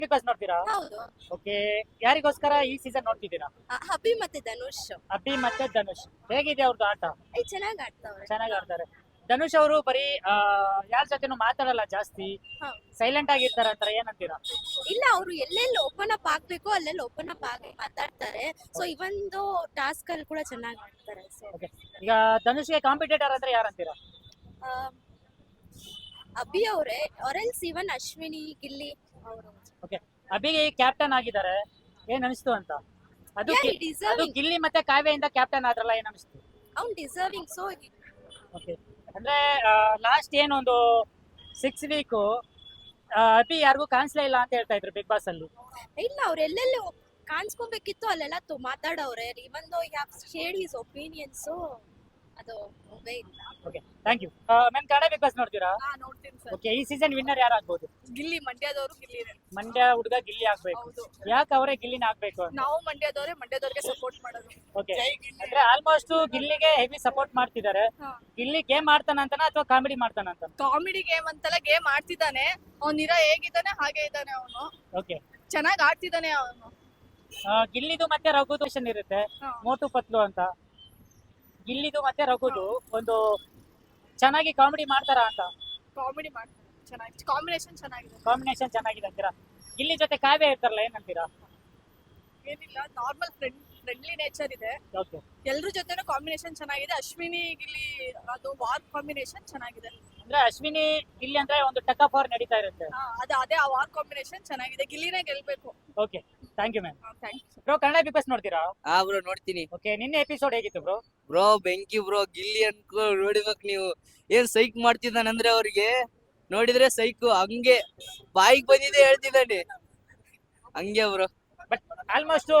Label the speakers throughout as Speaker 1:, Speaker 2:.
Speaker 1: Big boss ನೋಡ್ತೀರಾ?
Speaker 2: ಹೌದು.
Speaker 1: Okay, ಯಾರಿಗೋಸ್ಕರ ಈ ಸೀಸನ್ ನೋಡ್ತಿದ್ದೀರಾ?
Speaker 2: ಅಭಿ ಮತ್ತೆ ಧನುಷ್
Speaker 1: ಅಬ್ಬಿ ಮತ್ತೆ ಧನುಷ್ ಹೇಗಿದೆ ಅವ್ರದ್ದು ಆಟ?
Speaker 2: ಚೆನ್ನಾಗ್ ಆಡ್ತಾವ್ರೆ.
Speaker 1: ಚೆನ್ನಾಗಿ ಆಡ್ತಾರೆ. ಧನುಷ್ ಅವರು ಬರೀ ಯಾರ ಜೊತೆನೂ ಮಾತಾಡಲ್ಲ ಜಾಸ್ತಿ,
Speaker 2: ಹಾ.
Speaker 1: ಸೈಲೆಂಟ್ ಆಗಿರ್ತಾರೆ ಅಂತಾರೆ, ಏನಂತೀರಾ?
Speaker 2: ಇಲ್ಲ, ಅವ್ರು ಎಲ್ಲೆಲ್ಲಿ ಓಪನ್ ಅಪ್ ಆಗ್ಬೇಕು ಅಲ್ಲೆಲ್ಲಿ ಓಪನ್ ಅಪ್ ಆಗಿ ಮಾತಾಡ್ತಾರೆ. ಸೊ ಇವೊಂದು ಟಾಸ್ಕ್ ಅಲ್ಲಿ ಕೂಡ ಚೆನ್ನಾಗಿ ಆಡ್ತಾರೆ. ಸೊ
Speaker 1: ಓಕೆ, ಈಗ ಧನುಷ್ಗೆ ಕಾಂಪಿಟೇಟರ್ ಅಂದ್ರೆ ಯಾರಂತೀರಾ?
Speaker 2: ಅಭಿ ಅವರೇ ಆರೆಲ್ಸ್ ಇವನ್ ಅಶ್ವಿನಿ ಗಿಲ್ಲಿ ಅವರು.
Speaker 1: ಓಕೆ, ಅಬ್ಬಿಗೆ ಕ್ಯಾಪ್ಟನ್ ಆಗಿದ್ದಾರೆ, ಏನ್ ಅನಿಸ್ತು ಅಂತ? ಅದು
Speaker 2: Yeah, he
Speaker 1: ಅದು
Speaker 2: deserving.
Speaker 1: ಗಿಲ್ಲಿ ಮತ್ತೆ ಕಾವ್ಯದಿಂದ ಕ್ಯಾಪ್ಟನ್ ಆದ್ರಲ್ಲ, ಏನ್ ಅನಿಸ್ತು?
Speaker 2: ಅವ್ನ್ ಡಿಸರ್ವಿಂಗ್. ಸೊ
Speaker 1: ಓಕೆ, ಅಂದ್ರೆ ಲಾಸ್ಟ್ ಏನೊಂದು 6 ವೀಕು ಅಭಿ ಯಾರಿಗೂ ಕಾಣಿಸ್ಲೇ ಇಲ್ಲ ಅಂತ ಹೇಳ್ತಾ ಇದ್ರು ಬಿಗ್ ಬಾಸ್ ಅಲ್ಲಿ.
Speaker 2: ಇಲ್ಲ, ಅವ್ರು ಎಲ್ಲೆಲ್ಲಿ ಕಾಣಿಸ್ಕೊಬೇಕಿತ್ತು ಅಲ್ಲೆಲ್ಲ ಮಾತಾಡವ್ರೆ. ಇವನ್ ದೋ ಹ್ಯಾವ್ ಶೇರ್ಡ್ ಹಿಸ್ ಒಪಿನಿಯನ್ಸ್. ಅದು ಹೋಗೇ ಇಲ್ಲ.
Speaker 1: Okay, thank you ma'am. Kannada big boss ನೋಡ್ತೀರಾ?
Speaker 2: ನೋಡ್ತೀನಿ ಸರ್.
Speaker 1: ಓಕೆ, ಈ ಸೀಸನ್ ವಿನ್ನರ್ ಯಾರಾಗ್ಬೋದು?
Speaker 2: ಗಿಲ್ಲಿ, ಮಂಡ್ಯದವರು ಗಿಲ್ಲಿನೇ.
Speaker 1: ಮಂಡ್ಯ ಹುಡುಗ ಗಿಲ್ಲಿ ಆಗ್ಬೇಕು.
Speaker 2: ಹೌದು.
Speaker 1: ಯಾಕೆ ಅವರೇ ಗಿಲ್ಲಿನ ಆಗ್ಬೇಕು ಅಂತ?
Speaker 2: ನಾವು ಮಂಡ್ಯದವ್ರಿಗೆ ಸಪೋರ್ಟ್ ಮಾಡೋದು.
Speaker 1: ಓಕೆ, ಅಂದ್ರೆ ಆಲ್ಮೋಸ್ಟ್ ಗಿಲ್ಲಿಗೆ ಹೆವಿ ಸಪೋರ್ಟ್ ಮಾಡ್ತಿದ್ದಾರೆ. ಗಿಲ್ಲಿ ಗೇಮ್ ಮಾಡ್ತಾನಂತನ ಅಥವಾ ಕಾಮಿಡಿ ಮಾಡ್ತಾನಂತ?
Speaker 2: ಕಾಮಿಡಿ ಗೇಮ್ ಅಂತೆಲ್ಲ ಗೇಮ್ ಆಡ್ತಿದ್ದಾನೆ. ಅವ್ನಿರ ಹೇಗಿದ್ದಾನೆ ಹಾಗೆ ಇದ್ದಾನೆ ಅವನು.
Speaker 1: ಓಕೆ,
Speaker 2: ಚೆನ್ನಾಗಿ ಆಡ್ತಿದ್ದಾನೆ ಅವನು.
Speaker 1: ಗಿಲ್ಲಿದು ಮತ್ತೆ ರಘುದು question ಇರುತ್ತೆ, ಮೋಟು ಪತ್ಲು ಅಂತ. ಗಿಲ್ಲಿದು ಮತ್ತೆ ರಘುದು ಒಂದು ಚೆನ್ನಾಗಿ ಕಾಮಿಡಿ ಮಾಡ್ತಾರ ಅಂತ?
Speaker 2: ಕಾಮಿಡಿ ಮಾಡ್ತಾನೆ ಚೆನ್ನಾಗಿ. ಕಾಂಬಿನೇಷನ್ ಚೆನ್ನಾಗಿದೆ.
Speaker 1: ಕಾಂಬಿನೇಷನ್ ಚೆನ್ನಾಗಿದೆ ಅಂತೀರಾ? ಗಿಲ್ಲಿ ಜೊತೆ ಕಾವ್ಯ ಇರ್ತಾರಲ್ಲ, ಏನಂತೀರಾ?
Speaker 2: ಏನಿಲ್ಲ, ನಾರ್ಮಲ್ ಫ್ರೆಂಡ್ಲಿ ನೇಚರ್ ಇದೆ.
Speaker 1: ಓಕೆ,
Speaker 2: ಎಲ್ರ ಜೊತೆನೂ ಕಾಂಬಿನೇಷನ್ ಚೆನ್ನಾಗಿದೆ. ಅಶ್ವಿನಿ ಗಿಲ್ಲಿ ಅದು ವಾರ್ ಕಾಂಬಿನೇಷನ್ ಚೆನ್ನಾಗಿದೆ.
Speaker 1: ಅಂದ್ರೆ ಅಶ್ವಿನಿ ಗಿಲ್ಲಿ ಅಂದ್ರೆ ಒಂದು ಟಕ್ ಆಫ್ ನಡೀತಾ ಇರುತ್ತೆ.
Speaker 2: ಅದೇ ಆ ವಾರ್ ಕಾಂಬಿನೇಷನ್ ಚೆನ್ನಾಗಿದೆ. ಗಿಲ್ಲಿನೇ ಗೆಲ್ಬೇಕು.
Speaker 1: Okay, thank you ma'am.
Speaker 2: Thanks.
Speaker 1: Bro, Kannada big boss ನೋಡ್ತೀರಾ?
Speaker 3: ಬ್ರೋ ನೋಡ್ತೀನಿ.
Speaker 1: ಓಕೆ, ನಿನ್ನೆ ಎಪಿಸೋಡ್ ಹೇಗಿತ್ತು ಬ್ರೋ?
Speaker 3: ಬ್ರೋ ಬೆಂಕಿ ಬ್ರೋ, ಗಿಲ್ಲಿ ಅನ್ಕೋ ನೋಡಿಬೇಕು ನೀವು. ಏನ್ ಸೈಕ್ ಮಾಡ್ತಿದ್ದಾನಂದ್ರೆ ಅವ್ರಿಗೆ ನೋಡಿದ್ರೆ ಸೈಕು ಹಂಗೆ ಬಾಯಿಗೆ ಬಂದಿದೆ ಹೇಳ್ತಿದ್ದಾನೆ ಹಂಗೆ ಬ್ರೋ.
Speaker 1: ಬಟ್ ಆಲ್ಮೋಸ್ಟ್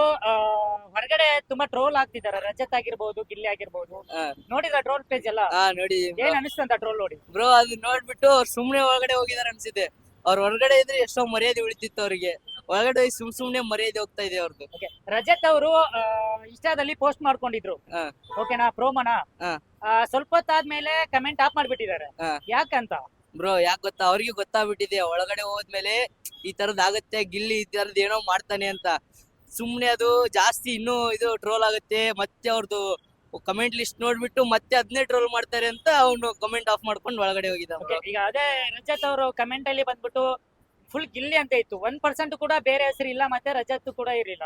Speaker 1: ಹೊರಗಡೆ ತುಂಬಾ ಟ್ರೋಲ್ ಆಗ್ತಿದ್ದಾರೆ, ರಜತ್ ಆಗಿರ್ಬೋದು, ಗಿಲ್ಲಿ ಆಗಿರ್ಬೋದು. ನೋಡಿದ್ರ ಟ್ರೋಲ್ ಪೇಜ್ ಎಲ್ಲ?
Speaker 3: ನೋಡಿ
Speaker 1: ಏನ್ ಅನಿಸ್ತಂತ ಟ್ರೋಲ್ ನೋಡಿ?
Speaker 3: ಬ್ರೋ ಅದು ನೋಡ್ಬಿಟ್ಟು ಅವ್ರು ಸುಮ್ನೆ ಒಳಗಡೆ ಹೋಗಿದಾರೆ ಅನ್ಸಿದೆ. ಅವ್ರ ಹೊರಗಡೆ ಇದ್ರೆ ಎಷ್ಟೋ ಮರ್ಯಾದೆ ಉಳಿತಿತ್ತು ಅವ್ರಿಗೆ. ಒಳಗಡೆ ಹೋಗಿ ಸುಮ್ನೆ ಮರ್ಯಾದೆ ಹೋಗ್ತಾ ಇದೆ ಅವ್ರದ್ದು.
Speaker 1: ಓಕೆ, ರಜತ್ ಅವರು ಇನ್ಸ್ಟಾದಲ್ಲಿ ಪೋಸ್ಟ್ ಮಾಡ್ಕೊಂಡಿದ್ರು, ಓಕೆನಾ, ಪ್ರೋಮೋನ. ಸ್ವಲ್ಪ ಹೊತ್ತಾದ್ಮೇಲೆ ಕಮೆಂಟ್ ಆಫ್ ಮಾಡ್ಬಿಟ್ಟಿದ್ದಾರೆ. ಯಾಕಂತ?
Speaker 3: ಬ್ರೋ ಯಾಕೆ ಗೊತ್ತಾ, ಅವ್ರಿಗೆ ಗೊತ್ತಾಗ್ಬಿಟ್ಟಿದೆ ಒಳಗಡೆ ಹೋದ್ಮೇಲೆ ಈ ತರದ್ ಆಗತ್ತೆ, ಗಿಲ್ಲಿ ಈ ತರದ್ ಏನೋ ಮಾಡ್ತಾನೆ ಅಂತ. ಸುಮ್ನೆ ಅದು ಜಾಸ್ತಿ ಇನ್ನೂ ಇದು ಟ್ರೋಲ್ ಆಗುತ್ತೆ. ಮತ್ತೆ ಅವ್ರದ್ದು ಕಮೆಂಟ್ ಲಿಸ್ಟ್ ನೋಡ್ಬಿಟ್ಟು ಮತ್ತೆ ಅದನ್ನೇ ಟ್ರೋಲ್ ಮಾಡ್ತಾರೆ ಅಂತ ಅವನು ಕಮೆಂಟ್ ಆಫ್ ಮಾಡ್ಕೊಂಡು ಒಳಗಡೆ ಹೋಗಿದ್ದ.
Speaker 1: ಈಗ ಅದೇ ರಜತ್ ಅವರು ಕಮೆಂಟ್ ಅಲ್ಲಿ ಬಂದ್ಬಿಟ್ಟು ಫುಲ್ ಗಿಲ್ಲಿ ಅಂತ ಇತ್ತು, 1% ಕೂಡ ಬೇರೆ ಹೆಸರು ಇಲ್ಲ, ಮತ್ತೆ ರಜತ್ ಕೂಡ ಇರಲಿಲ್ಲ.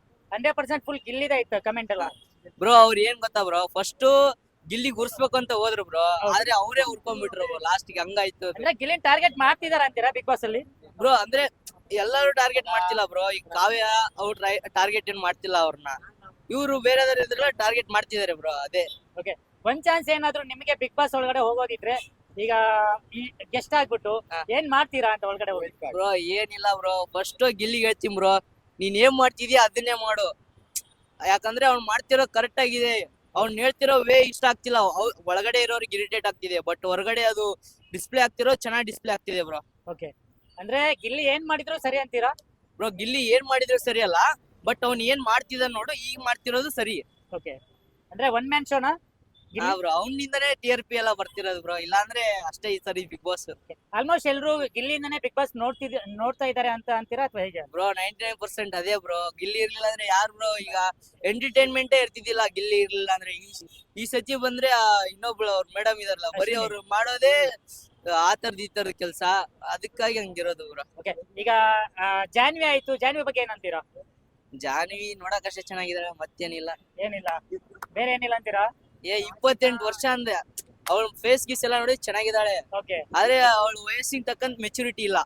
Speaker 1: 100% ಫುಲ್ ಗಿಲ್ಲಿದೇ ಇತ್ತು ಕಮೆಂಟ್ ಎಲ್ಲ.
Speaker 3: ಬ್ರೋ ಅವ್ರು ಏನ್ ಗೊತ್ತಾ ಬ್ರೋ, ಫಸ್ಟ್ ಗಿಲ್ಲಿ ಗುರ್ಸ್ಬೇಕು ಅಂತ ಹೋದ್ರು ಬ್ರೋ, ಆದ್ರೆ ಅವರೇ ಉರ್ಕೊಂಡ್ಬಿಟ್ರು ಬ್ರೋ ಲಾಸ್ಟ್ ಗೆ. ಹಂಗಾಯ್ತು.
Speaker 1: ಅಂದ್ರೆ ಗಿಲ್ಲಿನ್ ಟಾರ್ಗೆಟ್ ಮಾಡ್ತಿದಾರ ಅಂತೀರಾ ಬಿಗ್ ಬಾಸ್ ಅಲ್ಲಿ?
Speaker 3: ಬ್ರೋ ಅಂದ್ರೆ ಎಲ್ಲರೂ ಟಾರ್ಗೆಟ್ ಮಾಡ್ತಿಲ್ಲ ಬ್ರೋ. ಈಗ ಕಾವ್ಯ ಅವ್ರು ಟಾರ್ಗೆಟ್ ಏನ್ ಮಾಡ್ತಿಲ್ಲ ಅವ್ರನ್ನ, ಇವ್ರು ಬೇರೆದವ್ರ ಇದ್ರೆಲ್ಲ ಟಾರ್ಗೆಟ್ ಮಾಡ್ತಿದಾರೆ ಬ್ರೋ. ಅದೇ.
Speaker 1: ಓಕೆ, ಒಂದ್ ಚಾನ್ಸ್ ಏನಾದ್ರು ನಿಮಗೆ ಬಿಗ್ ಬಾಸ್ ಒಳಗಡೆ ಹೋಗೋದಿದ್ರೆ, ಈಗ ಈ ಗೆಸ್ಟ್ ಆಗ್ಬಿಟ್ಟು ಏನ್ ಮಾಡ್ತೀರಾ ಅಂತ ಒಳಗಡೆ ಹೋಗಿ?
Speaker 3: ಬ್ರೋ ಏನಿಲ್ಲ ಬ್ರೋ, ಫಸ್ಟ್ ಗಿಲ್ಲಿಗೆ ಹೇಳ್ತೀನಿ ಬ್ರೋ, ನೀನ್ ಏನ್ ಮಾಡ್ತಿದ್ಯಾ ಅದನ್ನೇ ಮಾಡು. ಯಾಕಂದ್ರೆ ಅವ್ನ್ ಮಾಡ್ತಿರೋ ಕರೆಕ್ಟ್ ಆಗಿದೆ. ಅವ್ನ್ ಹೇಳ್ತಿರೋ ವೇ ಇಷ್ಟ ಆಗ್ತಿಲ್ಲ. ಒಳಗಡೆ ಇರೋರಿಗೆ ಇರಿಟೇಟ್ ಆಗ್ತಿದೆ, ಬಟ್ ಹೊರಗಡೆ ಅದು ಡಿಸ್ಪ್ಲೇ ಆಗ್ತಿರೋ ಚೆನ್ನಾಗಿ ಡಿಸ್ಪ್ಲೇ ಆಗ್ತಿದೆ ಬ್ರೋ.
Speaker 1: ಓಕೆ, ಅಂದ್ರೆ ಗಿಲ್ಲಿ ಏನ್ ಮಾಡಿದ್ರು ಸರಿ ಅಂತೀರಾ?
Speaker 3: ಬ್ರೋ ಗಿಲ್ಲಿ ಏನ್ ಮಾಡಿದ್ರು ಸರಿ ಅಲ್ಲ, ಬಟ್ ಅವ್ನ್ ಏನ್ ಮಾಡ್ತಿದ ನೋಡು, ಈಗ ಮಾಡ್ತಿರೋದು ಸರಿ.
Speaker 1: ಓಕೆ, ಅಂದ್ರೆ ಒನ್ ಮ್ಯಾನ್ ಶೋನಾ
Speaker 3: ಬ್ರೋ? ಅವನಿಂದನೇ TRP ಎಲ್ಲ ಬರ್ತಿರೋದು ಬ್ರೋ, ಇಲ್ಲಾಂದ್ರೆ ಅಷ್ಟೇ ಈ ಸರಿ ಬಿಗ್ ಬಾಸ್.
Speaker 1: ಆಲ್ಮೋಸ್ಟ್ ಎಲ್ರು ಗಿಲ್ಲಿಯಿಂದನೇ ಬಿಗ್ ಬಾಸ್ ನೋಡ್ತಾ ಇದಾರೆ ಅಂತ ಅಂತೀರಾ ಅಥವಾ ಹೇಗೆ?
Speaker 3: ಬ್ರೋ 99% ಅದೇ ಬ್ರೋ. ಗಿಲ್ಲಿ ಇರ್ಲಿಲ್ಲ ಅಂದ್ರೆ ಯಾರು ಬ್ರೋ ಈಗ ಎಂಟರ್ಟೈನ್ಮೆಂಟೇ ಇರ್ತಿದ್ದಿಲ್ಲ. ಗಿಲ್ಲಿ ಇರ್ಲಿಲ್ಲ ಅಂದ್ರೆ ಈ ಸತಿ ಬಂದ್ರೆ ಇನ್ನೊಬ್ಳು ಅವ್ರ ಮೇಡಮ್ ಇದಾರಲ್ಲ, ಬರೀ ಅವ್ರು ಮಾಡೋದೇ ಆ ತರದ್ ಈ ತರದ ಕೆಲ್ಸ, ಅದಕ್ಕಾಗಿ ಹಂಗಿರೋದು ಬ್ರೋ.
Speaker 1: ಓಕೆ, ಈಗ ಜಾನ್ವಿ ಆಯ್ತು, ಜಾನ್ವಿ ಬಗ್ಗೆ ಏನಂತೀರಾ?
Speaker 3: ಜಾನ್ವಿ ನೋಡಕ್ ಅಷ್ಟೇ ಚೆನ್ನಾಗಿದಾರೆ, ಮತ್ತೇನಿಲ್ಲ.
Speaker 1: ಏನಿಲ್ಲ, ಬೇರೆ ಏನಿಲ್ಲ ಅಂತೀರಾ?
Speaker 3: 28 ವರ್ಷ ಅಂದ್ರೆ ಅವಳ ಫೇಸ್ ಗೀಸ್ ಎಲ್ಲ ನೋಡಿ ಚೆನ್ನಾಗಿದ್ದಾಳೆ.
Speaker 1: ಓಕೆ,
Speaker 3: ಆದ್ರೆ ಅವಳ ವಯಸ್ಸಿಗೆ ತಕ್ಕಂತ ಮೆಚುರಿಟಿ ಇಲ್ಲ.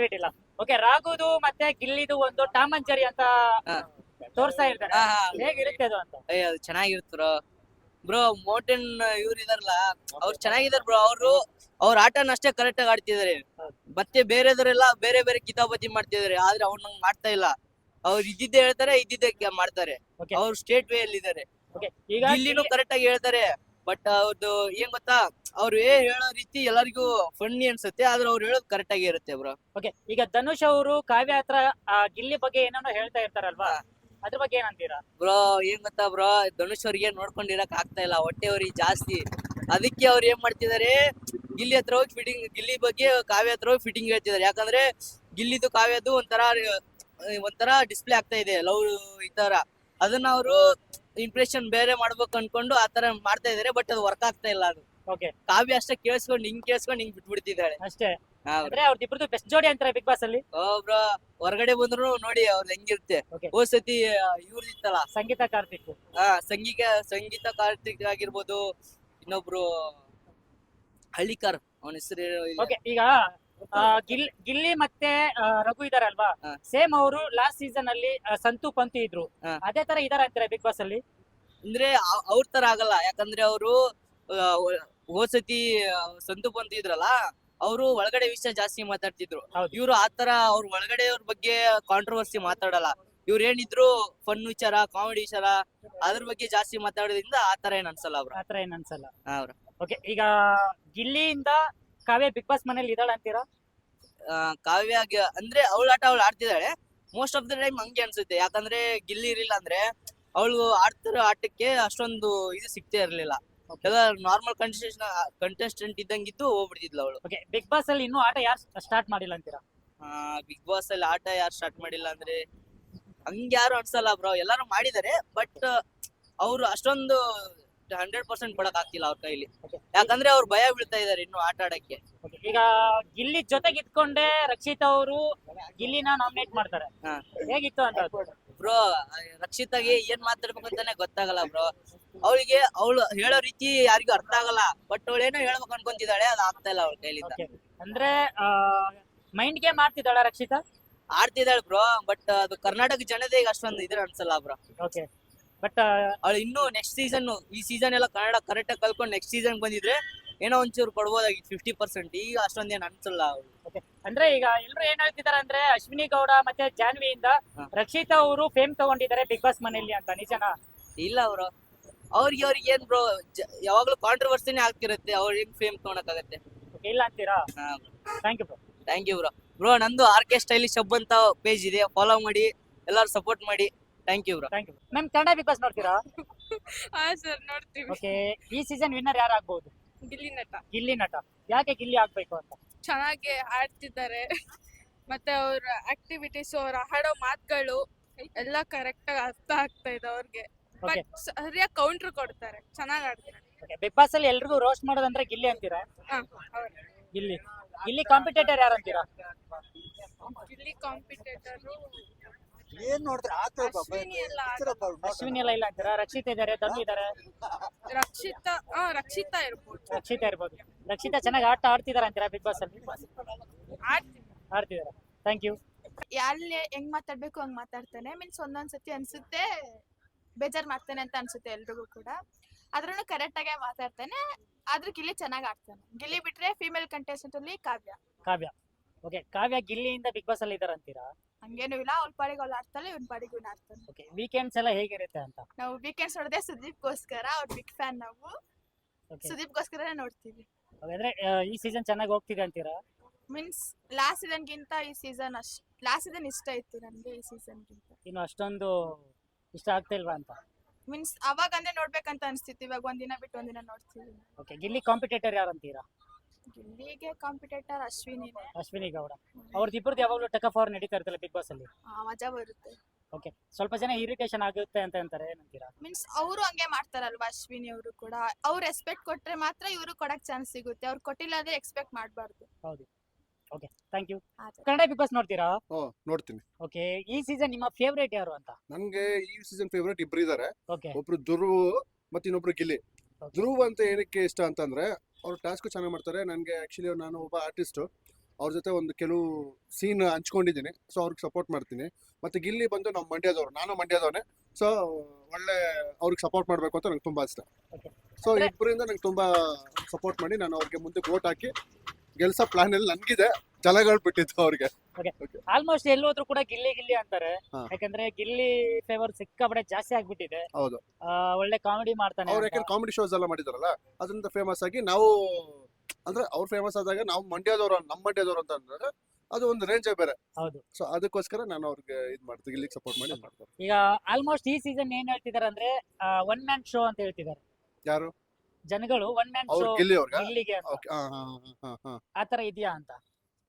Speaker 1: ಓಕೆ, ರಾಘುದು ಮತ್ತೆ ಗಿಲ್ಲಿದು ಒಂದು ಟಾಮ್ ಅಂಡ್ ಜೆರಿ ಅಂತ ತೋರ್ಸ್ತಾ ಇರ್ತಾರೆ, ಹೇಗಿರುತ್ತೆ ಅದು ಅಂತ?
Speaker 3: ಅದು ಚೆನ್ನಾಗಿರ್ತಾರ ಬ್ರೋ. ಮೋಟನ್ ಇವ್ರು ಇದಾರಲ್ಲ, ಅವ್ರು ಚೆನ್ನಾಗಿದಾರ ಬ್ರೋ. ಅವ್ರ ಆಟನ ಅಷ್ಟೇ ಕರೆಕ್ಟ್ ಆಗಿ ಆಡ್ತಿದಾರೆ. ಮತ್ತೆ ಬೇರೆದವರೆಲ್ಲ ಬೇರೆ ಬೇರೆ ಕಿತಾಪತಿ ಮಾಡ್ತಿದಾರೆ, ಆದ್ರೆ ಅವ್ರು ನಂಗೆ ಮಾಡ್ತಾ ಇಲ್ಲ. ಅವ್ರು ಇದ್ದಿದ್ದೆ ಹೇಳ್ತಾರೆ, ಇದ್ದಿದ್ದೆ ಮಾಡ್ತಾರೆ. ಅವ್ರು ಸ್ಟೇಟ್ ವೇ ಅಲ್ಲಿ ಇದಾರೆ. ಇಲ್ಲಿನೂ ಕರೆಕ್ಟ್ ಆಗಿ ಹೇಳ್ತಾರೆ, ಬಟ್ ಅವ್ರದ್ದು ಏನ್ ಗೊತ್ತಾ, ಅವ್ರು ಹೇಳೋ ರೀತಿ ಎಲ್ಲರಿಗೂ ಫನ್ನಿ ಅನ್ಸುತ್ತೆ, ಆದ್ರೆ ಅವ್ರು ಹೇಳೋದು ಕರೆಕ್ಟ್ ಆಗಿ ಇರುತ್ತೆ ಬ್ರೋ.
Speaker 1: ಓಕೆ, ಈಗ ಧನುಷ್ ಅವರು ಕಾವ್ಯ ಹತ್ರ ಗಿಲ್ಲಿ ಬಗ್ಗೆ ಏನೇನೋ ಹೇಳ್ತಾ ಇರ್ತಾರಲ್ವಾ, ಅದ್ರ ಬಗ್ಗೆ ಏನಂತೀರಾ?
Speaker 3: ಬ್ರೋ ಏನ್ ಗೊತ್ತಾ ಬ್ರೋ, ಧನುಷ್ ಅವ್ರಿಗೆ ನೋಡ್ಕೊಂಡಿರಕ್ ಆಗ್ತಾ ಇಲ್ಲ, ಹೊಟ್ಟೆ ಅವ್ರಿಗೆ ಜಾಸ್ತಿ. ಅದಕ್ಕೆ ಅವ್ರು ಏನ್ ಮಾಡ್ತಿದಾರೆ, ಗಿಲ್ಲಿ ಹತ್ರ ಹೋಗಿ ಗಿಲ್ಲಿ ಬಗ್ಗೆ ಕಾವ್ಯ ಹತ್ರ ಹೋಗಿ ಫಿಟ್ಟಿಂಗ್ ಹೇಳ್ತಿದಾರೆ. ಯಾಕಂದ್ರೆ ಗಿಲ್ಲಿದು ಕಾವ್ಯದು ಒಂಥರ ಡಿಸ್ಪ್ಲೇ ಆಗ್ತಾ ಇದೆ ಲವ್ ಈ ತರ. ಅದನ್ನ ಅವರು ಇಂಪ್ರೆಷನ್ ಬೇರೆ ಮಾಡ್ಬೇಕು ಅನ್ಕೊಂಡು ಆ ತರ ಮಾಡ್ತಾ ಇದಾರೆ, ಬಟ್ ಅದು ವರ್ಕ್ ಆಗ್ತಾ ಇಲ್ಲ. ಅದು
Speaker 1: ಓಕೆ
Speaker 3: ಕಾವ್ಯ ಅಷ್ಟೇ ಕೇಳಿಸ್ಕೊಂಡು ಹಿಂಗ್ ಬಿಟ್ಬಿಡ್ತಿದ್ದಾಳೆ.
Speaker 1: ಅಷ್ಟೇ. ಅಂದ್ರೆ ಅವ್ರದಿಬ್ರದ್ದು ಬೆಸ್ಟ್ ಜೋಡಿ ಅಂತಾರೆ ಬಿಗ್ ಬಾಸ್ ಅಲ್ಲಿ.
Speaker 3: ಬ್ರೋ ಹೊರಗಡೆ ಬಂದ್ರು ನೋಡಿ ಅವ್ರದ್ದು ಹೆಂಗಿರುತ್ತೆ.
Speaker 1: Okay.
Speaker 3: ಹೋದ್ ಸತಿ ಇವ್ರದಿತ್ತಲ್ಲ
Speaker 1: ಸಂಗೀತ ಕಾರ್ತಿಕ್.
Speaker 3: ಸಂಗೀತ ಕಾರ್ತಿಕ್ ಆಗಿರ್ಬೋದು, ಇನ್ನೊಬ್ರು ಹಳ್ಳಿಕಾರ್ ಅವನ ಹೆಸರು
Speaker 1: ಓಕೆ ಈಗ ಗಿಲ್ಲಿ ಮತ್ತೆ ರಘು ಇದಾರಲ್ವಾ,
Speaker 3: ಹಾ.
Speaker 1: ಸೇಮ್ ಅವರು ಲಾಸ್ಟ್ ಸೀಸನ್ ಅಲ್ಲಿ ಸಂತು ಪಂತು ಇದ್ರು,
Speaker 3: ಹಾ.
Speaker 1: ಅದೇ ತರ ಇದಾರ ಅಂತಾರೆ ಬಿಗ್ ಬಾಸ್ ಅಲ್ಲಿ.
Speaker 3: ಅಂದ್ರೆ ಅವ್ರ ತರ ಆಗಲ್ಲ. ಯಾಕಂದ್ರೆ ಅವರು ಹೋದ್ ಸತಿ ಸಂತು ಬಂತ ಇದ್ರಲ್ಲ, ಅವರು ಒಳಗಡೆ ವಿಷಯ ಜಾಸ್ತಿ ಮಾತಾಡ್ತಿದ್ರು.
Speaker 1: ಹೌದು.
Speaker 3: ಇವ್ರು ಆತರ ಅವ್ರ ಒಳಗಡೆ ಅವ್ರ ಬಗ್ಗೆ ಕಾಂಟ್ರವರ್ಸಿ ಮಾತಾಡಲ್ಲ. ಇವ್ರು ಏನಿದ್ರು ಫನ್ ವಿಚಾರ, ಕಾಮಿಡಿ ವಿಚಾರ ಅದ್ರ ಬಗ್ಗೆ ಜಾಸ್ತಿ ಮಾತಾಡೋದ್ರಿಂದ ಆತರ ಏನ್ ಅನ್ಸಲ್ಲ ಅವ್ರ.
Speaker 1: ಆತರ ಏನ್ ಅನ್ಸಲ್ಲ.
Speaker 3: ಅವ್ರ
Speaker 1: ಓಕೆ ಈಗ ಗಿಲ್ಲಿಯಿಂದ ಕಾವ್ಯ ಬಿಗ್ ಬಾಸ್ ಮನೇಲಿ ಇದಾಳ ಅಂತೀರಾ?
Speaker 3: ಕಾವ್ಯ ಅಂದ್ರೆ ಅವಳ ಆಟ ಅವಳು ಆಡ್ತಿದ್ದಾಳೆ. ಮೋಸ್ಟ್ ಆಫ್ ದ ಟೈಮ್ ಹಂಗೆ ಅನ್ಸುತ್ತೆ. ಯಾಕಂದ್ರೆ ಗಿಲ್ಲಿ ಇರ್ಲಿಲ್ಲ ಅಂದ್ರೆ ಅವಳು ಆಡ್ತಿರೋ ಆಟಕ್ಕೆ ಅಷ್ಟೊಂದು ಇದು ಸಿಗ್ತಾ ಇರ್ಲಿಲ್ಲ. ಎಲ್ಲ ನಾರ್ಮಲ್ ಕಂಟೆಸ್ಟೆಂಟ್ ಇದ್ದಂಗಿತ್ತು ಹೋಗ್ಬಿಡ್ತಿದ್ಲು ಅವಳು.
Speaker 1: ಓಕೆ ಬಿಗ್ ಬಾಸ್ ಅಲ್ಲಿ ಇನ್ನೂ ಆಟ ಯಾರು ಸ್ಟಾರ್ಟ್ ಮಾಡಿಲ್ಲ ಅಂತೀರಾ?
Speaker 3: ಬಿಗ್ ಬಾಸ್ ಅಲ್ಲಿ ಆಟ ಯಾರು ಸ್ಟಾರ್ಟ್ ಮಾಡಿಲ್ಲ ಅಂದ್ರೆ ಹಂಗ ಯಾರು ಅನ್ಸಲ್ಲ ಬ್ರೋ. ಎಲ್ಲಾರು ಮಾಡಿದಾರೆ, ಬಟ್ ಅವ್ರು ಅಷ್ಟೊಂದು 100% ಕೊಡಕ್ ಆಗ್ತಿಲ್ಲ ಅವ್ರ ಕೈಲಿ. ಯಾಕಂದ್ರೆ ಅವ್ರು ಭಯ ಬೀಳ್ತಾ ಇದಾರೆ ಇನ್ನು ಆಟ ಆಡಕ್ಕೆ.
Speaker 1: Okay, ಈಗ ಗಿಲ್ಲಿ ಜೊತೆಗೆ ಇದ್ಕೊಂಡೆ ರಕ್ಷಿತಾ ಅವರು ಗಿಲ್ಲಿನ ನಾಮಿನೇಟ್ ಮಾಡ್ತಾರೆ.
Speaker 3: ಹಾ.
Speaker 1: ಹೇಗಿತ್ತು ಅಂತ
Speaker 3: ಬ್ರೋ ರಕ್ಷಿತಾಗೆ ಏನ್ ಮಾತಾಡ್ಬೇಕು ಅಂತಾನೆ ಗೊತ್ತಾಗಲ್ಲ ಬ್ರೋ. ಅವಳಿಗೆ ಅವಳು ಹೇಳೋ ರೀತಿ ಯಾರಿಗೂ ಅರ್ಥ ಆಗಲ್ಲ, ಬಟ್ ಅವಳು ಏನೋ ಹೇಳ್ಬೇಕು ಅನ್ಕೊಂತಿದ್ದಾಳೆ, ಅದು ಆಗ್ತಾ ಇಲ್ಲ ಅವಳ ಕೈಲಿಂದ.
Speaker 1: Okay. ಅಂದ್ರೆ ಮೈಂಡ್ ಗೇಮ್ ಆಡ್ತಿದ್ದಾಳ ರಕ್ಷಿತಾ?
Speaker 3: ಆಡ್ತಿದ್ದಾಳೆ ಬ್ರೋ, ಬಟ್ ಅದು ಕರ್ನಾಟಕ ಜನತೆ ಈಗ ಅಷ್ಟೊಂದು ಇದ್ರ ಅನ್ಸಲ್ಲ ಬ್ರೋ.
Speaker 1: ಓಕೆ ಬಟ್
Speaker 3: ಅವಳು ಇನ್ನು ನೆಕ್ಸ್ಟ್ ಸೀಸನ್, ಈ ಸೀಸನ್ ಎಲ್ಲ ಕನ್ನಡ ಕರೆಕ್ಟ್ ಆಗಿ ಕಲ್ಕೊಂಡು ನೆಕ್ಸ್ಟ್ ಸೀಸನ್ ಬಂದಿದ್ರೆ ಏನೋ ಒಂಚೂರು ಕೊಡ್ಬೋದಾಗಿತ್ತು 50%. ಈಗ ಅಷ್ಟೊಂದೇನು ಅನ್ಸಲ್ಲ ಅವಳು.
Speaker 1: ಅಂದ್ರೆ ಈಗ ಎಲ್ರು ಏನ್ ಹೇಳ್ತಿದಾರೆ ಅಂದ್ರೆ ಅಶ್ವಿನಿ ಗೌಡ ಮತ್ತೆ ಜಾನ್ವಿಯಿಂದ
Speaker 3: ಹಾ.
Speaker 1: ರಕ್ಷಿತಾ ಅವರು ಫೇಮ್ ತಗೊಂಡಿದ್ದಾರೆ ಬಿಗ್ ಬಾಸ್ ಮನೆಯಲ್ಲಿ ಅಂತ, ನಿಜನಾ?
Speaker 3: ಇಲ್ಲ ಬ್ರೋ, ಅವ್ರಿಗೆ ಏನ್ ಬ್ರೋ, ಯಾವಾಗ್ಲೂ ಕಾಂಟ್ರವರ್ಸಿನೇ ಆಗ್ತಿರುತ್ತೆ. ಅವ್ರ ಹೆಂಗ್ ಫೇಮ್ ತಗೊಳಕಾಗತ್ತೆ?
Speaker 1: Okay, ಇಲ್ಲ ಅಂತೀರಾ? Thank you bro.
Speaker 3: Thank you bro. Bro ನಂದು RK ಸ್ಟೈಲಿಶ್ ಹಬ್ ಅಂತ ಪೇಜ್ ಇದೆ, ಫಾಲೋ ಮಾಡಿ, ಎಲ್ಲರೂ ಸಪೋರ್ಟ್ ಮಾಡಿ. Thank you bro.
Speaker 1: Thank you ma'am. Kannada big boss ನೋಡ್ತೀರಾ?
Speaker 2: ಹಾ ಸರ್ ನೋಡ್ತೀವಿ.
Speaker 1: ಓಕೆ ಈ ಸೀಸನ್ ವಿನ್ನರ್ ಯಾರು ಆಗ್ಬಹುದು?
Speaker 2: ಗಿಲ್ಲಿ ನಟ
Speaker 1: ಗಿಲ್ಲಿ ನಟ. ಯಾಕೆ ಗಿಲ್ಲಿ ಆಗ್ಬೇಕು ಅಂತ?
Speaker 2: ಚೆನ್ನಾಗಿ ಆಡ್ತಿದ್ದಾರೆ, ಮತ್ತೆ ಅವ್ರ ಆಕ್ಟಿವಿಟೀಸ್, ಅವ್ರ ಹಾಡೋ ಮಾತುಗಳು ಎಲ್ಲ ಕರೆಕ್ಟ್ ಆಗಿ ಅರ್ಥ ಆಗ್ತಾ ಇದೆ ಅವ್ರಿಗೆ.
Speaker 1: Okay.
Speaker 2: ಬಟ್ ಸರಿಯಾಗಿ ಕೌಂಟರ್ ಕೊಡ್ತಾರೆ, ಚೆನ್ನಾಗಿ ಆಡ್ತಾರೆ.
Speaker 1: ಬಿಗ್ ಬಾಸ್ ಅಲ್ಲಿ ಎಲ್ರಿಗೂ ರೋಸ್ಟ್ ಮಾಡೋದಂದ್ರೆ ಗಿಲ್ಲಿ ಅಂತೀರಾ?
Speaker 2: ಹಾ, ಹೌದು.
Speaker 1: ಗಿಲ್ಲಿ ಗಿಲ್ಲಿ ಕಾಂಪಿಟೇಟರ್ ಯಾರು ಅಂತೀರಾ?
Speaker 2: ಗಿಲ್ಲಿ ಕಾಂಪಿಟೇಟರ್
Speaker 4: ಏನ್ ನೋಡಿದ್ರೆ
Speaker 2: ಅಶ್ವಿನಿ ಎಲ್ಲ
Speaker 1: ಅಶ್ವಿನಿ ಎಲ್ಲ ಇಲ್ಲ ಅಂತೀರಾ? ರಕ್ಷಿತಾ ಇದಾರೆ, ಧನು ಇದಾರೆ,
Speaker 2: ರಕ್ಷಿತಾ ಇರ್ಬೋದು.
Speaker 1: ರಕ್ಷಿತಾ ಇರ್ಬೋದು. ರಕ್ಷಿತಾ ಚೆನ್ನಾಗಿ ಆಟ ಆಡ್ತಿದಾರ ಅಂತೀರಾ ಬಿಗ್ ಬಾಸ್ ಅಲ್ಲಿ? ಆಡ್ತಿದಾರ. Thank you.
Speaker 5: ಯಾರಲ್ಲಿ ಹೆಂಗ್ ಮಾತಾಡ್ಬೇಕು ಹಂಗ್ ಮಾತಾಡ್ತಾನೆ. ಮೀನ್ಸ್ ಒಂದೊಂದ್ಸತಿ ಅನ್ಸುತ್ತೆ ಬೇಜಾರ್ ಮಾಡ್ತಾನೆ ಅಂತ ಅನ್ಸುತ್ತೆ ಎಲ್ರಿಗೂ ಕೂಡ, ಆದ್ರೂ ಕರೆಕ್ಟ್ ಆಗೇ ಮಾತಾಡ್ತಾನೆ. ಆದ್ರೂ ಗಿಲ್ಲಿ ಚೆನ್ನಾಗ್ ಆಡ್ತಾನೆ. ಗಿಲ್ಲಿ ಬಿಟ್ರೆ ಫೀಮೇಲ್ ಕಂಟೆಸ್ಟೆಂಟ್ ಅಲ್ಲಿ ಕಾವ್ಯ.
Speaker 1: ಓಕೆ ಕಾವ್ಯ ಗಿಲ್ಲಿಯಿಂದ ಬಿಗ್ ಬಾಸ್ ಅಲ್ಲಿ ಇದಾರ ಅಂತೀರಾ?
Speaker 5: ಹಂಗೇನು ಇಲ್ಲ, ಅವ್ಳ ಪಾಡಿಗೆ ಅವ್ಳು ಆಡ್ತಾಳೆ, ಇವ್ನ ಪಾಡಿಗೆ ಇವ್ನ ಆಡ್ತಾನೆ.
Speaker 1: ಓಕೆ ವೀಕೆಂಡ್ಸ್ ಎಲ್ಲ ಹೇಗಿರುತ್ತೆ ಅಂತ?
Speaker 5: ನಾವು ವೀಕೆಂಡ್ಸ್ ನೋಡದೆ ಸುದೀಪ್ಗೋಸ್ಕರ, ಅವ್ರ ಬಿಗ್ ಫ್ಯಾನ್ ನಾವು.
Speaker 1: Okay.
Speaker 5: ಸುದೀಪ್ಗೋಸ್ಕರನೇ ನೋಡ್ತೀವಿ.
Speaker 1: ಹಾಗಾದ್ರೆ ಈ ಸೀಸನ್ ಚೆನ್ನಾಗಿ ಹೋಗ್ತಿದೆ ಅಂತೀರಾ?
Speaker 5: ಮೀನ್ಸ್ ಲಾಸ್ಟ್ ಸೀಸನ್ಗಿಂತ ಈ ಸೀಸನ್ ಲಾಸ್ಟ್ ಸೀಸನ್ ಇಷ್ಟ ಇತ್ತು ನನ್ಗೆ ಈ ಸೀಸನ್ಗಿಂತ.
Speaker 1: ಇನ್ನು ಅಷ್ಟೊಂದು ಇಷ್ಟ ಆಗ್ತಾ ಇಲ್ವಾ ಅಂತ?
Speaker 5: ಮೀನ್ಸ್ ಅವಾಗ ಅಂದ್ರೆ ನೋಡ್ಬೇಕಂತ ಅನ್ಸ್ತಿತ್ತು, ಇವಾಗ ಒಂದಿನ ಬಿಟ್ಟು ಒಂದಿನ ನೋಡ್ತೀವಿ.
Speaker 1: ಓಕೆ ಗಿಲ್ಲಿ ಕಾಂಪಿಟೇಟರ್ ಯಾರು ಅಂತೀರಾ?
Speaker 5: ಗಿಲ್ಲಿಗೆ ಕಾಂಪಿಟೇಟರ್ ಅಶ್ವಿನಿನೇ.
Speaker 1: ಅಶ್ವಿನಿ ಗೌಡ. ಅವ್ರದ್ದು ಯಾವಾಗಲೂ ಟಕ್ ಆಫ್ ನಡೀತಾ ಇರ್ತಲ್ಲ ಬಿಗ್ ಬಾಸ್ ಅಲ್ಲಿ.
Speaker 5: ಮಜಾ ಬರುತ್ತೆ.
Speaker 1: ಓಕೆ ಸ್ವಲ್ಪ ಜನ ಇರಿಟೇಷನ್ ಆಗುತ್ತೆ ಅಂತ ಅಂತಾರೆ, ಏನಂತೀರಾ?
Speaker 5: ಮೀನ್ಸ್ ಅವರು ಹಂಗೆ ಮಾಡ್ತಾರಲ್ವಾ ಅಶ್ವಿನಿ ಅವರು ಕೂಡ. ಅವ್ರು ರೆಸ್ಪೆಕ್ಟ್ ಕೊಟ್ರೆ ಮಾತ್ರ ಇವರು ಕೊಡಕ್ ಚಾನ್ಸ್ ಸಿಗುತ್ತೆ, ಅವ್ರು ಕೊಟ್ಟಿಲ್ಲ ಅಂದ್ರೆ ಎಕ್ಸ್ಪೆಕ್ಟ್ ಮಾಡಬಾರ್ದು.
Speaker 1: ಹೌದು. Okay thank you. Kannada big boss ನೋಡ್ತೀರಾ?
Speaker 4: ನೋಡ್ತೀನಿ.
Speaker 1: ಓಕೆ ಈ ಸೀಸನ್ ನಿಮ್ಮ ಫೇವರೇಟ್ ಯಾರು ಅಂತ?
Speaker 4: ನನ್ಗೆ ಈ ಸೀಸನ್ ಫೇವರೇಟ್ ಇಬ್ರು ಇದಾರೆ.
Speaker 1: ಓಕೆ
Speaker 4: ಒಬ್ರು ಧ್ರುವ್ ಮತ್ತೆ ಇನ್ನೊಬ್ರು ಗಿಲ್ಲಿ.
Speaker 1: Okay.
Speaker 4: ಧ್ರುವ್ ಅಂತ ಏನಕ್ಕೆ ಇಷ್ಟ ಅಂತಂದ್ರೆ ಅವ್ರು ಟಾಸ್ಕ್ ಚೆನ್ನಾಗಿ ಮಾಡ್ತಾರೆ. ನನ್ಗೆ ಆಕ್ಚುಲಿ ನಾನು ಒಬ್ಬ ಆರ್ಟಿಸ್ಟ್, ಅವ್ರ ಜೊತೆ ಒಂದು ಕೆಲವು ಸೀನ್ ಹಂಚ್ಕೊಂಡಿದ್ದೀನಿ, ಸೊ ಅವ್ರಿಗೆ ಸಪೋರ್ಟ್ ಮಾಡ್ತೀನಿ. ಮತ್ತೆ ಗಿಲ್ಲಿ ಬಂದು ನಾವು ಮಂಡ್ಯದವ್ರು, ನಾನು ಮಂಡ್ಯದವನೇ, ಸೊ ಒಳ್ಳೆ ಅವ್ರಿಗೆ ಸಪೋರ್ಟ್ ಮಾಡಬೇಕು ಅಂತ ನಂಗೆ ತುಂಬಾ ಇಷ್ಟ.
Speaker 1: Okay.
Speaker 4: ಸೊ ಇಬ್ಬರಿಂದ ನಂಗೆ ತುಂಬಾ ಸಪೋರ್ಟ್ ಮಾಡಿ ನಾನು ಅವ್ರಿಗೆ ಮುಂದೆ ವೋಟ್ ಹಾಕಿ ಗೆಲ್ಸೋ ಪ್ಲಾನ್ ಅಲ್ಲಿ ನನ್ಗಿದೆ. ಛಲಗಳು ಬಿಟ್ಟಿತ್ತು ಅವ್ರಿಗೆ.
Speaker 1: ಆಲ್ಮೋಸ್ಟ್ ಎಲ್ಲೋದ್ರು ಕೂಡ ಗಿಲ್ಲಿ ಗಿಲ್ಲಿ ಅಂತಾರೆ.
Speaker 4: ಹಾ.
Speaker 1: ಯಾಕಂದ್ರೆ ಗಿಲ್ಲಿ ಫೇವರ್ ಸಿಕ್ಕಾಪಟ್ಟೆ ಜಾಸ್ತಿ ಆಗ್ಬಿಟ್ಟಿದೆ.
Speaker 4: ಹೌದು.
Speaker 1: ಒಳ್ಳೆ ಕಾಮಿಡಿ ಮಾಡ್ತಾನೆ
Speaker 4: ಅವ್ರು
Speaker 1: ಅಂತ.
Speaker 4: ಯಾಕಂದ್ರೆ ಕಾಮಿಡಿ ಶೋಸ್ ಎಲ್ಲ ಮಾಡಿದಾರಲ್ಲ, ಅದರಿಂದ ಫೇಮಸ್ ಆಗಿ ನಾವು, ಅಂದ್ರೆ ಅವ್ರು ಫೇಮಸ್ ಆದಾಗ ನಾವು ಮಂಡ್ಯದವ್ರು, ನಮ್ಮ ಮಂಡ್ಯದವ್ರು ಅಂತ ಅಂದಾಗ ಅದು ಒಂದು ರೇಂಜೇ ಬೇರೆ.
Speaker 1: ಹೌದು.
Speaker 4: ಸೊ ಅದಕ್ಕೋಸ್ಕರ ನಾನು ಅವ್ರಿಗೆ ಇದ್ ಮಾಡ್ತೀನಿ, ಇಲ್ಲಿಗೆ ಸಪೋರ್ಟ್ ಮಾಡಿ ಮಾಡ್ತಾರೆ.
Speaker 1: ಈಗ ಆಲ್ಮೋಸ್ಟ್ ಈ ಸೀಸನ್ ಏನ್ ಹೇಳ್ತಿದಾರೆ ಅಂದ್ರೆ ಒನ್ ಮ್ಯಾನ್ ಶೋ ಅಂತ ಹೇಳ್ತಿದ್ದಾರೆ
Speaker 4: ಯಾರು
Speaker 1: ಜನಗಳು. ಒನ್ ಮ್ಯಾನ್
Speaker 4: ಅವ್ರು
Speaker 1: ಶೋ
Speaker 4: ಗಿಲ್ಲಿ ಅವ್ರಿಗೆ.
Speaker 1: ಗಿಲ್ಲಿಗೆ ಅಂತ.
Speaker 4: ಓಕೆ.
Speaker 1: ಆತರ ಇದೆಯಾ ಅಂತ?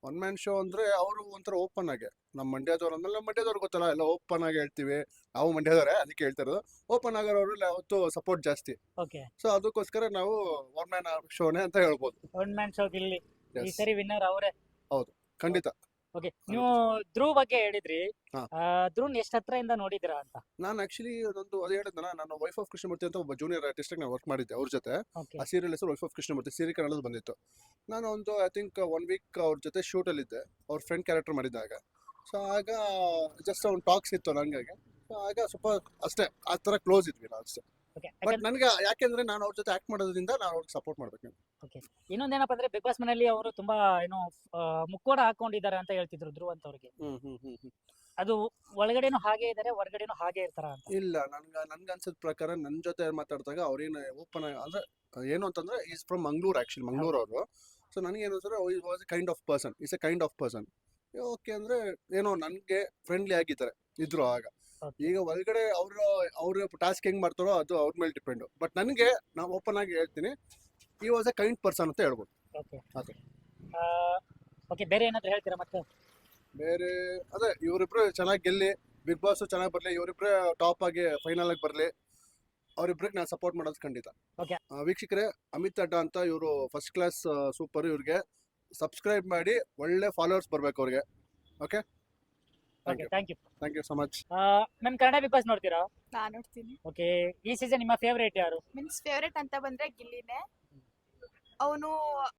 Speaker 4: ಒನ್ ಮ್ಯಾನ್ ಶೋ ಅಂದ್ರೆ ಅವರು ಒಂಥರ ಓಪನ್ ಆಗಿ ನಮ್ಮ ಮಂಡ್ಯದವ್ರು ಅಂದ್ಮೇಲೆ ನಮ್ಮ ಮಂಡ್ಯದವ್ರು ಗೊತ್ತಲ್ಲ ಎಲ್ಲ ಓಪನ್ ಆಗಿ ಹೇಳ್ತೀವಿ, ನಾವು ಮಂಡ್ಯದವರೇ ಅದಕ್ಕೆ ಹೇಳ್ತಾ ಇರೋದು. ಓಪನ್ ಆಗೋರು ಯಾವತ್ತು ಸಪೋರ್ಟ್ ಜಾಸ್ತಿ,
Speaker 1: ಓಕೆ,
Speaker 4: ಸೊ ಅದಕ್ಕೋಸ್ಕರ ನಾವು ಒನ್ ಮ್ಯಾನ್ ಶೋನೇ ಅಂತ ಹೇಳ್ಬೋದು.
Speaker 1: ಒನ್ ಮ್ಯಾನ್ ಶೋ ಗಿಲ್ಲಿ ಈ
Speaker 4: Yes.
Speaker 1: ಸರಿ ವಿನ್ನರ್ ಅವರೇ.
Speaker 4: ಖಂಡಿತ.
Speaker 1: ಓಕೆ, ನೀವು ಧ್ರುವ್ ಬಗ್ಗೆ ಹೇಳಿದ್ರಿ.
Speaker 4: ಹಾ.
Speaker 1: ಧ್ರುವ್ ಎಷ್ಟು ಹತ್ರದಿಂದ ನೋಡಿದಿರಾ ಅಂತ?
Speaker 4: ನಾನು ಆಕ್ಚುಲಿ ಅದೊಂದು ಅದು ಹೇಳಿದ್ನಲ್ಲ, ನಾನು ವೈಫ್ ಆಫ್ ಕೃಷ್ಣಮೂರ್ತಿ ಅಂತ ಒಬ್ಬ ಜೂನಿಯರ್ ಆರ್ಟಿಸ್ಟ್ ನಾನು ವರ್ಕ್ ಮಾಡಿದ್ದೆ ಅವ್ರ ಜೊತೆ.
Speaker 1: ಓಕೆ,
Speaker 4: ಆ ಸೀರಿಯಲ್ ಹೆಸರು ವೈಫ್ ಆಫ್ ಕೃಷ್ಣಮೂರ್ತಿ, ಸೀರಿಯಲ್ ಕನ್ನಡದಲ್ಲಿ ಬಂದಿತ್ತು. ನಾನು ಒಂದು ಐ ಥಿಂಕ್ 1 ವೀಕ್ ಅವ್ರ ಜೊತೆ ಶೂಟ್ ಅಲ್ಲಿ ಇದ್ದೆ, ಅವ್ರ ಫ್ರೆಂಡ್ ಕ್ಯಾರೆಕ್ಟರ್ ಮಾಡಿದ್ದಾಗ. ಸೊ ಆಗ ಜಸ್ಟ್ ಒಂದು ಟಾಕ್ಸ್ ಇತ್ತು ನನಗೆ. ಸೊ ಆಗ ಸ್ವಲ್ಪ ಅಷ್ಟೇ ಆ ಥರ ಕ್ಲೋಸ್ ಇದ್ವಿ ನಾವು ಅಷ್ಟೇ.
Speaker 1: ಓಕೆ.
Speaker 4: ಬಟ್ ನನಗೆ ಯಾಕೆಂದ್ರೆ ನಾನು ಅವ್ರ ಜೊತೆ ಆಕ್ಟ್ ಮಾಡೋದ್ರಿಂದ ನಾನು ಅವ್ರಿಗೆ ಸಪೋರ್ಟ್ ಮಾಡ್ಬೇಕು.
Speaker 1: ಇನ್ನೊಂದೇನಪ್ಪ ಅಂದ್ರೆ ಬಿಗ್ ಬಾಸ್ ಮನೆಯಲ್ಲಿ ಅವರು ತುಂಬಾ ಏನೋ ಮುಕ್ಕೋಡ ಹಾಕೊಂಡಿದ್ದಾರೆ ಅಂತ ಹೇಳ್ತಿದ್ರು ಧ್ರುವ್ ಅಂತ ಅವ್ರಿಗೆ. ಅದು ಒಳಗಡೆನೂ ಹಾಗೆ ಇದಾರೆ, ಹೊರಗಡೆನೂ ಹಾಗೆ ಇರ್ತಾರ ಅಂತ?
Speaker 4: ಇಲ್ಲ, ನನ್ಗೆ ಅನ್ಸಿದ ಪ್ರಕಾರ ನನ್ನ ಜೊತೆ ಮಾತಾಡಿದಾಗ ಅವ್ರೇನು ಓಪನ್ ಅಂದ್ರೆ ಏನು ಅಂತಂದ್ರೆ is from Mangalore, actually Mangalore ಅವರು. ಸೊ ನನಗೇನು ಅಂದ್ರೆ was a kind of person, is a kind of person. Okay ಅಂದ್ರೆ ಏನೋ ನನಗೆ ಫ್ರೆಂಡ್ಲಿ ಆಗಿದ್ದಾರೆ ಇದ್ರು ಆಗ.
Speaker 1: Okay.
Speaker 4: ಈಗ ಒಳಗಡೆ ಅವ್ರ ಟಾಸ್ಕ್ ಹೆಂಗ್ ಮಾಡ್ತಾರೋ ಅದು ಅವ್ರ ಮೇಲೆ ಡಿಪೆಂಡ್. ಬಟ್ ನನಗೆ ನಾವು ಓಪನ್ ಆಗಿ ಹೇಳ್ತೀನಿ, ಈ ವಾಸ್ ಎ ಕೈಂಡ್ ಪರ್ಸನ್ ಅಂತ ಹೇಳ್ಬೋದು.
Speaker 1: ಓಕೆ,
Speaker 4: ಅದೇ.
Speaker 1: ಓಕೆ, ಬೇರೆ ಏನಾದ್ರು ಹೇಳ್ತೀರಾ ಮತ್ತೆ?
Speaker 4: ಬೇರೆ ಅದೇ ಇವರಿಬ್ರು ಚೆನ್ನಾಗಿ ಗೆಲ್ಲಿ, ಬಿಗ್ ಬಾಸ್ ಚೆನ್ನಾಗಿ ಬರ್ಲಿ, ಇವರಿಬ್ರೆ ಟಾಪ್ ಆಗಿ ಫೈನಲ್ ಆಗಿ ಬರ್ಲಿ, ಅವ್ರಿಬ್ರಿಗೆ ನಾನು ಸಪೋರ್ಟ್ ಮಾಡೋದು ಖಂಡಿತ.
Speaker 1: Okay.
Speaker 4: ವೀಕ್ಷಕರೇ, ಅಮಿತ್ ಅಡ್ಡ ಅಂತ ಇವರು ಫಸ್ಟ್ ಕ್ಲಾಸ್ ಸೂಪರ್, ಇವ್ರಿಗೆ ಸಬ್ಸ್ಕ್ರೈಬ್ ಮಾಡಿ, ಒಳ್ಳೆ ಫಾಲೋವರ್ಸ್ ಬರ್ಬೇಕು ಅವ್ರಿಗೆ. Okay,
Speaker 1: okay, thank you.
Speaker 4: Thank you so much.
Speaker 1: Ma'am, Kannada big boss ನೋಡ್ತೀರಾ?
Speaker 5: ನಾನ್ ನೋಡ್ತೀನಿ.
Speaker 1: ಓಕೆ, ಈ ಸೀಸನ್ ನಿಮ್ಮ ಫೇವರೇಟ್ ಯಾರು?
Speaker 5: ಮೀನ್ಸ್ ಫೇವ್ರೇಟ್ ಅಂತ ಬಂದ್ರೆ ಗಿಲ್ಲಿನೇ. ಅವನು